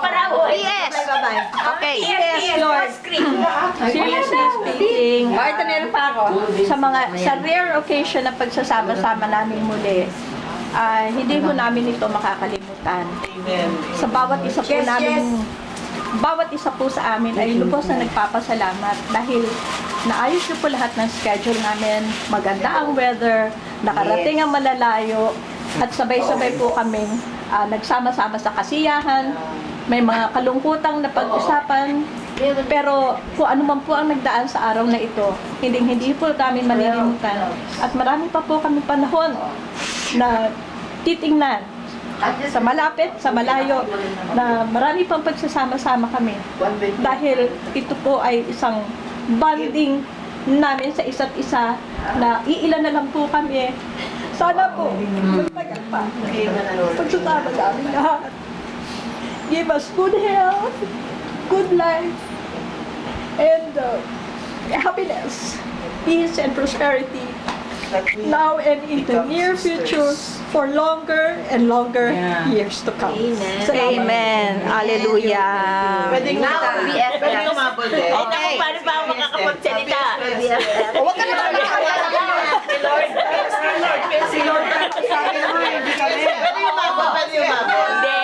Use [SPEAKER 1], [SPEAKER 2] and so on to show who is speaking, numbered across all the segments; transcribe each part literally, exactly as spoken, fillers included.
[SPEAKER 1] P S. Okay.
[SPEAKER 2] Yes, Lord. Seriously speaking,
[SPEAKER 1] Oh, ito meron pa ako.
[SPEAKER 2] sa mga sa rare occasion na pagsasama-sama namin muli, ah, hindi ho namin ito makakalimutan. Sa bawat isa po namin, bawat isa po sa amin ay lubos na nagpapasalamat dahil naayos niyo po lahat ng schedule namin, maganda ang weather, nakarating ang malalayo, at sabay-sabay po kaming ah, nagsama-sama sa kasiyahan, may mga kalungkutang na pag-usapan, pero kung ano man po ang nagdaan sa araw na ito, hindi hindi po namin malilimutan. At marami pa po kami panahon na titingnan sa malapit, sa malayo, na marami pang pagsasama-sama kami. Dahil ito po ay isang bonding namin sa isa't isa na iilan na lang po kami. Sana po, magtagal pa. Pagsasama namin lahat. Give us good health, good life, and uh, happiness, peace, and prosperity now and in the near future for longer and longer years to come.
[SPEAKER 1] Amen.
[SPEAKER 2] Amen. Hallelujah.
[SPEAKER 3] Pwedeng
[SPEAKER 1] Now, B F F.
[SPEAKER 3] Pwedeng umabot eh.
[SPEAKER 1] Okay. Paano ba ako makakapagsalita?
[SPEAKER 2] Huwag ka naman
[SPEAKER 1] Si Lord.
[SPEAKER 3] Si Lord. Sabi mo, hindi kami. Pwede umabot, pwede umabot.
[SPEAKER 1] Hindi.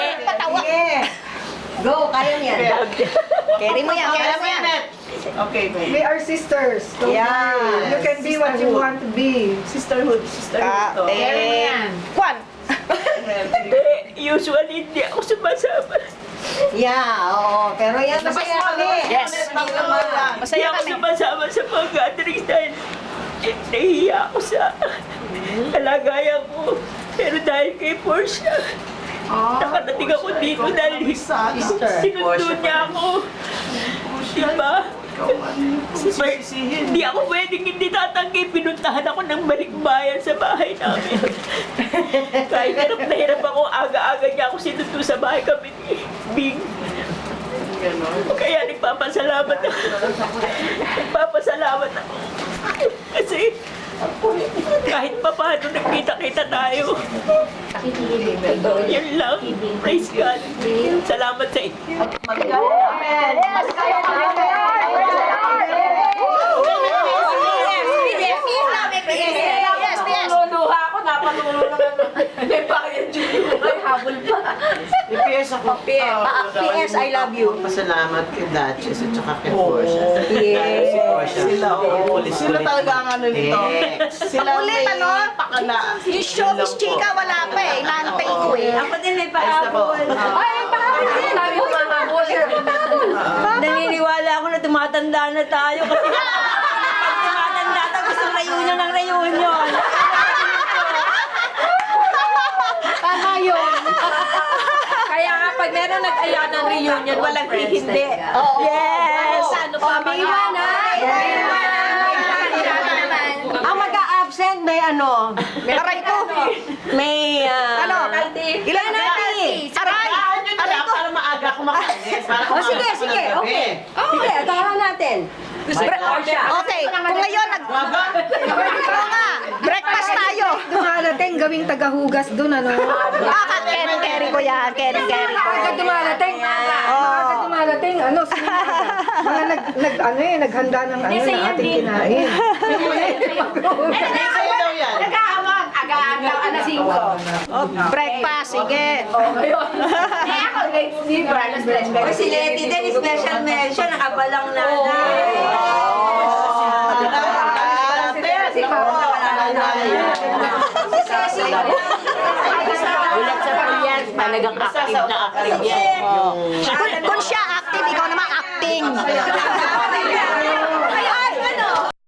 [SPEAKER 4] Go, kaya niyan.
[SPEAKER 1] Carry mo yan, carry
[SPEAKER 3] Kaya
[SPEAKER 1] mo
[SPEAKER 3] mo
[SPEAKER 1] yan.
[SPEAKER 3] yan. Okay,
[SPEAKER 5] We
[SPEAKER 3] babe.
[SPEAKER 5] are sisters. Don't
[SPEAKER 4] Yeah.
[SPEAKER 5] worry. You can be what you want to be.
[SPEAKER 3] Sisterhood, sisterhood to.
[SPEAKER 1] Carry mo yan.
[SPEAKER 2] Kwan.
[SPEAKER 1] Usually, hindi ako sumasama.
[SPEAKER 4] Yeah, oo. Pero yan, masaya kami.
[SPEAKER 1] Yes.
[SPEAKER 4] Masaya
[SPEAKER 1] Hindi ako
[SPEAKER 4] kami.
[SPEAKER 1] sumasama sa mga gatherings dahil nahihiya ako sa kalagayan ko. Pero dahil kay Portia, nakadating ako dito dahil sinundo niya ako. Diba?
[SPEAKER 3] Sisisihin.
[SPEAKER 1] Hindi ako pwedeng hindi tatanggi. Pinuntahan ako ng balikbayan sa bahay namin. Kahit hirap na hirap ako, aga-aga niya ako sinundo sa bahay kami ni Bing. Kaya nagpapasalamat ako. Nagpapasalamat ako. Kasi kahit pa paano nagkita-kita tayo. Yan lang. Praise God. Salamat sa inyo.
[SPEAKER 3] Amen.
[SPEAKER 4] Yes, kaya namin. Yes, yes.
[SPEAKER 2] Luluha ako, napalulo naman. May bakit yun? May habol pa.
[SPEAKER 3] P S ako.
[SPEAKER 4] P S, I love you.
[SPEAKER 3] Pasalamat kay Duchess at saka kay Portia.
[SPEAKER 4] Yes.
[SPEAKER 3] Si Portia. Sila, oo. Sila talaga ang ano nito. Sila
[SPEAKER 4] Ulit, ano?
[SPEAKER 3] pakala.
[SPEAKER 4] Yung showbiz chika, wala pa eh. Inaantay ko eh.
[SPEAKER 2] Ako din may
[SPEAKER 3] Ayos na po.
[SPEAKER 2] Ay, pahabol din. Sabi ko, pahabol.
[SPEAKER 1] Naniniwala ako na tumatanda na tayo kasi pag tumatanda tayo gusto reunion ng reunion.
[SPEAKER 2] Tama yun. Kaya nga, pag meron nag-aya ng reunion, walang hihindi. Yes! Ano pa mga?
[SPEAKER 4] Ang mag-a-absent, may ano? Aray ko. May, ah...
[SPEAKER 2] Ano?
[SPEAKER 4] Ilan natin? Aray!
[SPEAKER 3] Aray ko. Para maaga ako makaalis. Para
[SPEAKER 4] O sige,
[SPEAKER 3] kumakas
[SPEAKER 4] sige,
[SPEAKER 3] ng gabi.
[SPEAKER 4] okay. Sige, agahan natin. Okay, kung ngayon nag... Oo nga, breakfast tayo.
[SPEAKER 5] Dumarating, gawing tagahugas dun, ano?
[SPEAKER 4] Ah, carry-carry ko yan, carry-carry ko.
[SPEAKER 5] Maaga dumarating. Maaga dumarating, ano? sino ba? Mga nag, nag, ano eh, naghanda ng ano na ating kinain.
[SPEAKER 3] Sa'yo daw yan.
[SPEAKER 2] Aga-aga, anasing ko.
[SPEAKER 4] Oh, breakfast, sige.
[SPEAKER 1] O si Letty din, special mention, nakabalang na na. Ulat sa pilyan, talagang active na active yan.
[SPEAKER 4] Kung, kung siya active, ikaw naman acting.